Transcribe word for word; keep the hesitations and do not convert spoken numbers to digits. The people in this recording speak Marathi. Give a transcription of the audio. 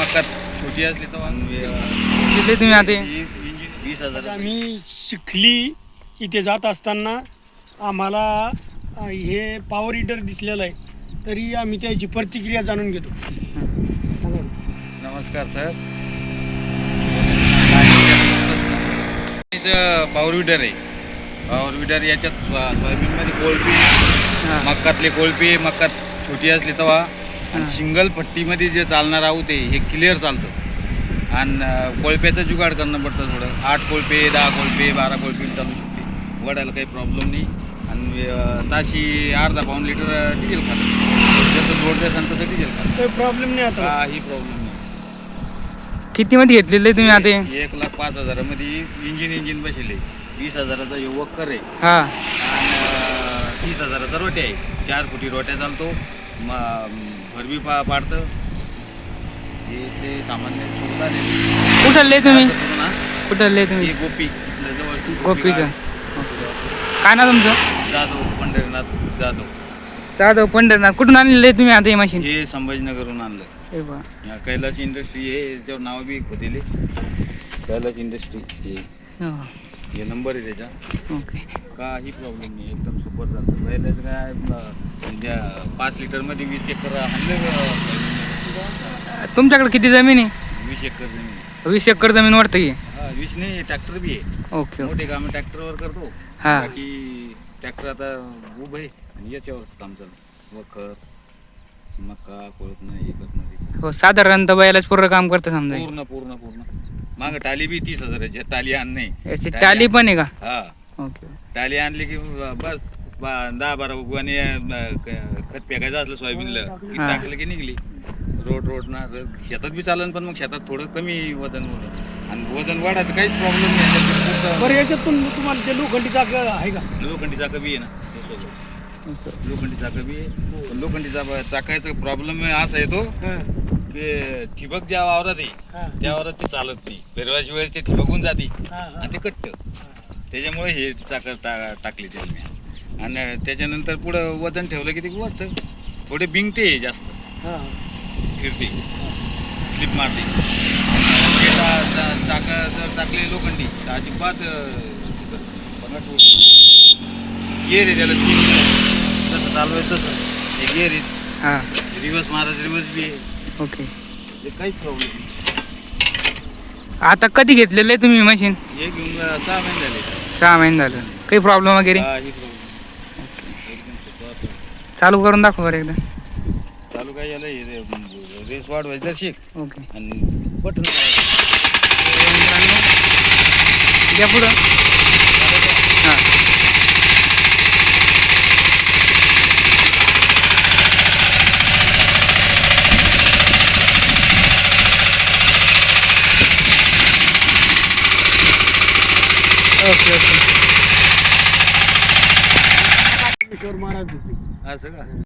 मक्का छोटी असली तर किती तुम्ही आता इंजिन वीस हजार. आम्ही चिखली इथे जात असताना आम्हाला अ, हे पॉवर हिटर दिसलेलं आहे, तरी आम्ही त्याची प्रतिक्रिया जाणून घेतो. सांगा. नमस्कार सर. पॉवर विडर आहे. पॉवर विडर याच्यात सोयाबीनमध्ये कोळपी, मक्कातले कोळपी, मक्का छोटी असली तवा आणि सिंगल पट्टीमध्ये जे चालणार आहोत ते हे क्लिअर चालतं. आणि कोळप्याचं जुगाड करणं पडतं थोडं. आठ कोळपे, दहा कोळपे, बारा कोळपे चालू शकते. वडायला काही प्रॉब्लेम नाही. आणि ताशी अर्धा पाऊन लिटर डिझेल खातं. जसं जोड द्याल तसं डिझेल खातं. काही प्रॉब्लेम नाही आता. काही प्रॉब्लेम नाही. किती मध्ये घेतलेले तुम्ही आता हे? एक लाख पाच हजारामध्ये इंजिन इंजिन बसले. वीस हजाराचा युवकर आहे हा आणि तीस हजाराचा रोट्या आहे. चार फुटी रोट्या चालतो. मग भरबी पा पाडतं. हे ते सामान्य कुठले तुम्ही कुठले तुम्ही हे गोपी इथलं जवळ गोपीचं काय ना तुमचं? जाधव पंढरीनाथ जाधव. दादा पंढरनाथ कुठून आणलेले तुम्ही आता हे मशीन? हे संभाजीनगरहून आणलं. हे बा या कैलास इंडस्ट्री हे याच्यावर नाव बी होतेले. कैलास इंडस्ट्री हे हा. हे नंबर आहे त्याचा. ओके. काही प्रॉब्लेम नाही. एकदम सुपर झालं. पहिल्याचं काय म्हणजे पाच लिटरमध्ये वीस एकर आणलं. तुमच्याकडे किती जमीन आहे? वीस एकर जमीन. वीस एकर जमीन वाटतं की? हा वीस नाही, ट्रॅक्टर बी आहे. Okay okay. मोठे कामं ट्रॅक्टरवर करतो. हा. बाकी ट्रॅक्टर आता उभं आहे आणि याच्यावरच काम चालू. वखर, मका, कोळपणं हे करणं ते. हो साधारणतः बैलाच पूर्ण काम करतं समजा. पूर्ण पूर्ण पूर्ण. मागं टाली बी तीस हजाराची टाली आण नाही. याची टाली पण आहे का? हा ओके. टाली आणली की बस बा- दहा बारा उगवाने खत फेकायचं असलं सोयाबीनला की हा. टाकलं की निघली. रोड रोड ना शेतात बी चालन, पण मग शेतात थोडं कमी वजन होतं. आणि वजन वाढायचं काहीच प्रॉब्लेम नाही. बरं, याच्यातून तुम्हाला ते लोखंडी चाक आहे का? लोखंडी चाकं बी आहे ना त्यासोबत. लोखंडी चाकं बी आहे. पण लोखंडी चाक चाकायचा प्रॉब्लेम असा येतो हा. की ठिबक ज्या वावरात आहे हा. त्या वावरात ते चालत नाही. पेरवायच्या वेळेस ते ठिबकून जाते हा, हा. आणि ते कट्ट. त्याच्यामुळे हे चाकं टा टाकली त्यांनी. आणि त्याच्यानंतर पुढं वजन ठेवलं की ते वाटतं थोडे बिंगते जास्त हा. फिरते, स्लिप मारते. चाकं जर टाकले लोखंडी तर अजिबात गेर आहे त्याला. जसं चालवायचं तसं हे गेर आहे. हा. रिवर्स मारायचं रिवर्स बी आहे. ओके. हे काहीच प्रॉब्लेम नाही. आता कधी घेतलेलं आहे तुम्ही मशीन? हे घेऊन सहा महिने झाले. सहा महिने झालं. काही प्रॉब्लेम वगैरे? काही प्रॉब्लेम एकदम सोपं. चालू करून दाखव बरं एकदा. चालू काय झालं हे रेस वाढवायचं तर शिक ओके. आणि बटन द्या पुढं. हां. Okay okay. महाराज असं का?